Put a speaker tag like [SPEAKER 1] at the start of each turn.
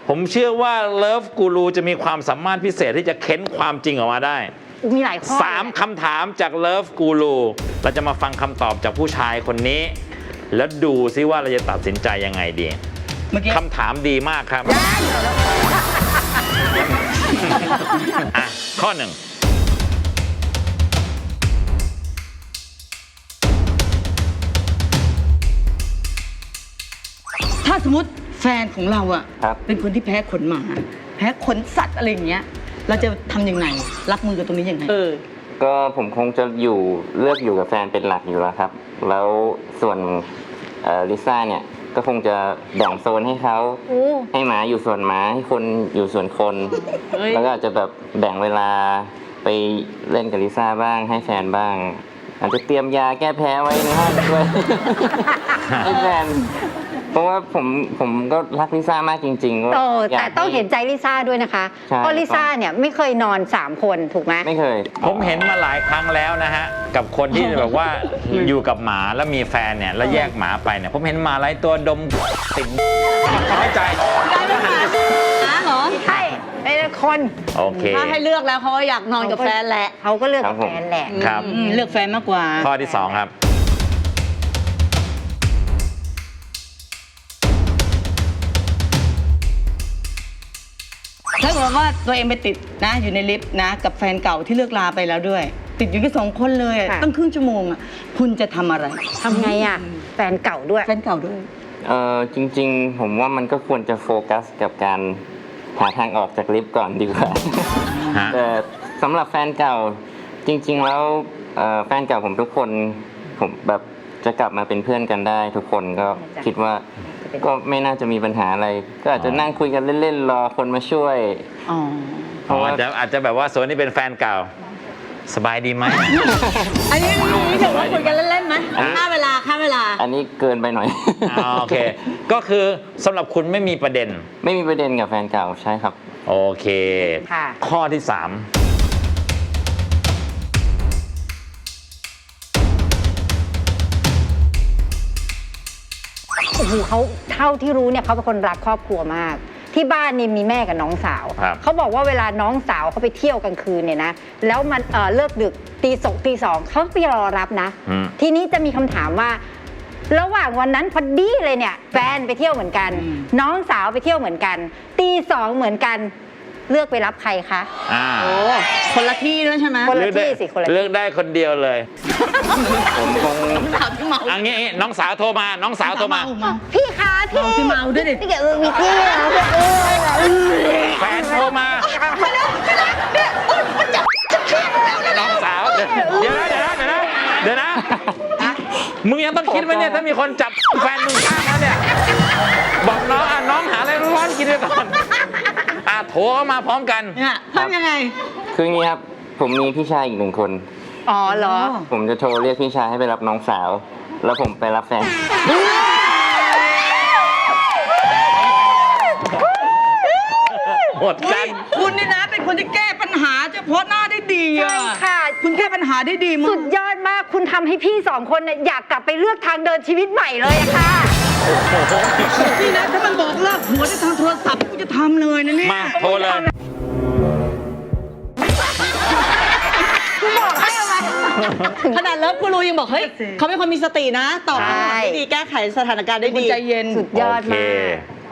[SPEAKER 1] ผมเชื่อว่าเลิฟกูรูจะมีความสามารถพิเศษที่จะเค้นความจริงออกมาได้
[SPEAKER 2] มีหลายข้อ
[SPEAKER 1] 3 คำถามจากเลิฟกูรูเราจะมาฟังคำตอบจากผู้ชายคนนี้ แล้วดูซิว่าเราจะตัดสินใจยังไงดีคำถามดีมากครับข้อ 1
[SPEAKER 3] ถ้าสมมติแฟนของเราอ่ะเป็นคนที่แพ้ขนหมาแพ้ขนสัตว์อะไรอย่างเงี้ยเราจะทำยังไงรับมือกับตรงนี้ยังไง
[SPEAKER 4] ก็ผมคงจะเลือกอยู่กับแฟนเป็นหลักอยู่แล้วครับแล้วส่วนลิซ่าเนี่ยก็คงจะแบ่งโซนให้เขาให้หมาอยู่ส่วนหมาให้คนอยู่ส่วนคนแล้วก็อาจจะแบบแบ่งเวลาไปเล่นกับลิซ่าบ้างให้แฟนบ้างอาจจะเตรียมยาแก้แพ้ไว้ในห้องด้วยให้แฟนเพราะว่าผมก็รักลิซ่ามากจริงๆ
[SPEAKER 2] แต่ต้องเห็นใจลิซ่าด้วยนะคะเพราะลิซ่าเนี่ยไม่เคยนอน3 คนถูกไหม
[SPEAKER 4] ไม่เคย
[SPEAKER 1] ผมเห็นมาหลายครั้งแล้วนะฮะกับคนที่แบบว่าอยู่กับหมาแล้วมีแฟนเนี่ยแล้วแยกหมาไปเนี่ยผมเห็นหมาหลายตัวดมติดเข้าใจ
[SPEAKER 3] เหรอ
[SPEAKER 2] ใช่เป็นคน
[SPEAKER 1] โอเค
[SPEAKER 3] ถ้าให้เลือกแล้วเขาอยากนอนกับแฟนแหละ
[SPEAKER 2] เขาก็เลือกกับแฟนแหละ
[SPEAKER 1] ครับ
[SPEAKER 3] เลือกแฟนมากกว่า
[SPEAKER 1] ข้อที่ 2ครับ
[SPEAKER 3] ถ้าเกิดว่าตัวเองไปติดนะอยู่ในลิฟต์นะกับแฟนเก่าที่เลิกลาไปแล้วด้วยติดอยู่แค่2 คนเลยตั้งครึ่งชั่วโมงอ่ะคุณจะทำอะไร
[SPEAKER 2] ทำไงอ่ะแฟนเก่าด้วย
[SPEAKER 4] จริงๆผมว่ามันก็ควรจะโฟกัสกับการหาทางออกจากลิฟต์ก่อนดีกว่าแต่สำหรับแฟนเก่าจริงๆแล้วแฟนเก่าผมทุกคนผมแบบจะกลับมาเป็นเพื่อนกันได้ทุกคนก็คิดว่าก็ไม่น่าจะมีปัญหาอะไรก็อาจจะนั่งคุยกันเล่นๆรอคนมาช่วย
[SPEAKER 1] อาจจะแบบว่าส่วนนี้เป็นแฟนเก่าสบายดีไหม
[SPEAKER 3] อันนี้ถือว่าคุยกันเล่นๆไหมค่าเวลา
[SPEAKER 4] อันนี้เกินไปหน่อย
[SPEAKER 1] โอเคก็คือสำหรับคุณไม่มีประเด็น
[SPEAKER 4] กับแฟนเก่าใช่ครับ
[SPEAKER 1] โอเคข้อที่ 3
[SPEAKER 2] โอ้โหเขาเท่าที่รู้เนี่ยเขาเป็นคนรักครอบครัวมากที่บ้านนี่มีแม่กับน้องสาวเขาบอกว่าเวลาน้องสาวเขาไปเที่ยวกลางคืนเนี่ยนะแล้วมันเลิกดึกตี 2เขาไปรอรับนะทีนี้จะมีคำถามว่าระหว่างวันนั้นพอดีเลยเนี่ยแฟนไปเที่ยวเหมือนกันน้องสาวไปเที่ยวเหมือนกันตี 2เหมือนกันเลือกไปรับใครคะ
[SPEAKER 3] คนละที่ด้วยใช่ไหม
[SPEAKER 2] คนละที่สิคนละ
[SPEAKER 1] เลือกได้คนเดียวเลย
[SPEAKER 4] ผมคง
[SPEAKER 1] อันนี้น้องสาวโทรมา
[SPEAKER 2] พี่คะ
[SPEAKER 3] พี่เมาด้วยดิ
[SPEAKER 2] พี่เก๋มีพี่
[SPEAKER 1] แฟนโทรมาน้องสาวเดี๋ยวนะมึงยังต้องคิดไว้เนี่ยถ้ามีคนจับแฟนมึงข้างแล้วเนี่ยบอกน้องหาอะไรร้อนกินไปก่อนโทรเข้ามาพร้อมกัน
[SPEAKER 3] ทำยังไง
[SPEAKER 4] คืออย่างนี้ครับผมมีพี่ชายอีก1 คน
[SPEAKER 2] เหรอ
[SPEAKER 4] ผมจะโทรเรียกพี่ชายให้ไปรับน้องสาวแล้วผมไปรับแฟน
[SPEAKER 1] หมดกัน
[SPEAKER 3] คุณนี่นะเป็นคนที่แก้ปัญหาเฉพาะหน้าได้ดีใช่
[SPEAKER 2] ค่ะ
[SPEAKER 3] คุณแก้ปัญหาได้ดีมาก
[SPEAKER 2] สุดยอดมากคุณทำให้พี่2 คนเนี่ยอยากกลับไปเลือกทางเดินชีวิตใหม่เลยอะค่ะ
[SPEAKER 3] นี่นะถ้ามันบอกเลิกหัวได้ทางโทรศัพท์กูจะทำเลยนะเนี่ย
[SPEAKER 1] มาโทรเลย
[SPEAKER 3] ขนาดเลิฟกูรูยังบอกเฮ้ยเขาเป็นคนมีสตินะตอบคำถามได้ดีแก้ไขสถานการณ์ได้ดี
[SPEAKER 2] ใจเย็นสุดยอดมาก